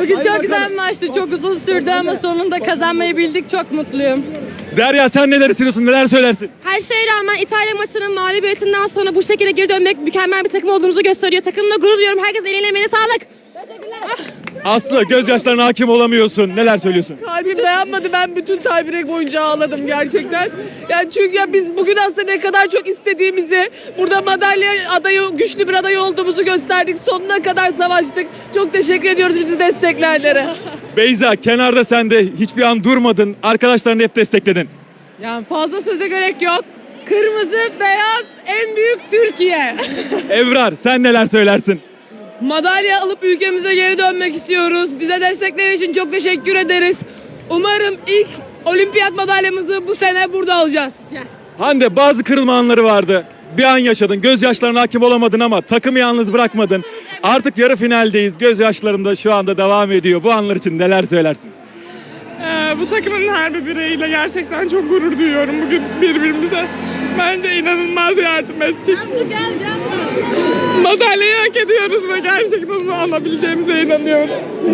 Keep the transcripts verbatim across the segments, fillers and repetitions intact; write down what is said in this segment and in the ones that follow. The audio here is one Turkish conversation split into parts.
Bugün çok güzel bir maçtı. Çok uzun sürdü ama sonunda kazanmayı bildik. Çok mutluyum. Derya sen neler hissediyorsun, neler söylersin? Her şeye rağmen İtalya maçının mağlubiyetinden sonra bu şekilde geri dönmek mükemmel bir takım olduğumuzu gösteriyor. Takımla gurur duyuyorum. Herkes eline emeğine sağlık. Aslı gözyaşlarına hakim olamıyorsun, neler söylüyorsun? Kalbim dayanmadı. Ben bütün tiebreak boyunca ağladım gerçekten. Yani çünkü ya biz bugün aslında ne kadar çok istediğimizi, burada madalya adayı, güçlü bir aday olduğumuzu gösterdik. Sonuna kadar savaştık. Çok teşekkür ediyoruz bizi destekleyenlere. Beyza kenarda sen de hiçbir an durmadın, arkadaşlarını hep destekledin. Yani fazla söze gerek yok. Kırmızı, beyaz, en büyük Türkiye. Evrar sen neler söylersin? Madalya alıp ülkemize geri dönmek istiyoruz. Bize destekleri için çok teşekkür ederiz. Umarım ilk olimpiyat madalyamızı bu sene burada alacağız. Hande bazı kırılma anları vardı. Bir an yaşadın, gözyaşlarına hakim olamadın ama takımı yalnız bırakmadın. Artık yarı finaldeyiz, gözyaşlarım da şu anda devam ediyor. Bu anlar için neler söylersin? Ee, bu takımın her bir bireyiyle gerçekten çok gurur duyuyorum. Bugün birbirimize bence inanılmaz yardım ettik. Gel gel. Madalyayı hak ediyoruz ve gerçekten onu alabileceğimize inanıyorum.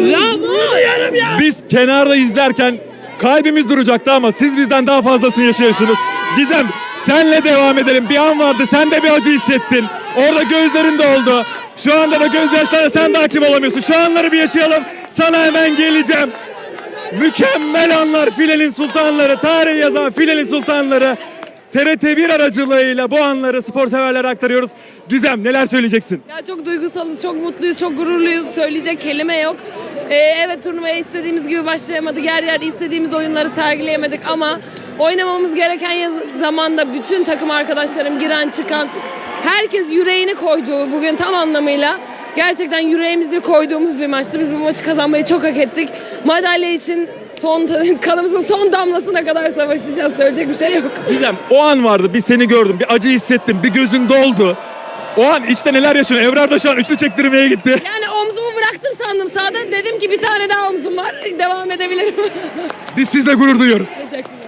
Biz kenarda izlerken kalbimiz duracaktı ama siz bizden daha fazlasını yaşıyorsunuz. Gizem senle devam edelim. Bir an vardı, sen de bir acı hissettin. Orada gözlerin doldu. Şu anda da gözyaşlarına sen de hakim olamıyorsun. Şu anları bir yaşayalım. Sana hemen geleceğim. Mükemmel anlar, filenin sultanları, tarih yazan filenin sultanları. T R T bir aracılığıyla bu anları spor severlere aktarıyoruz. Gizem neler söyleyeceksin? Ya çok duygusalız, çok mutluyuz, çok gururluyuz. Söyleyecek kelime yok. Ee, evet turnuvaya istediğimiz gibi başlayamadık. Yer yer istediğimiz oyunları sergileyemedik ama oynamamız gereken yaz- zamanda bütün takım arkadaşlarım giren çıkan herkes yüreğini koydu bugün tam anlamıyla. Gerçekten yüreğimizi koyduğumuz bir maçtı. Biz bu maçı kazanmayı çok hak ettik. Madalya için son kanımızın son damlasına kadar savaşacağız. Söyleyecek bir şey yok. Gizem o an vardı, bir seni gördüm, bir acı hissettim, bir gözün doldu. O an içte neler yaşıyorsun? Evrar da şu an üçlü çektirmeye gitti. Yani omzumu bıraktım sandım sağda. Dedim ki bir tane daha omzum var. Devam edebilirim. Biz sizle gurur duyuyoruz. Teşekkürler.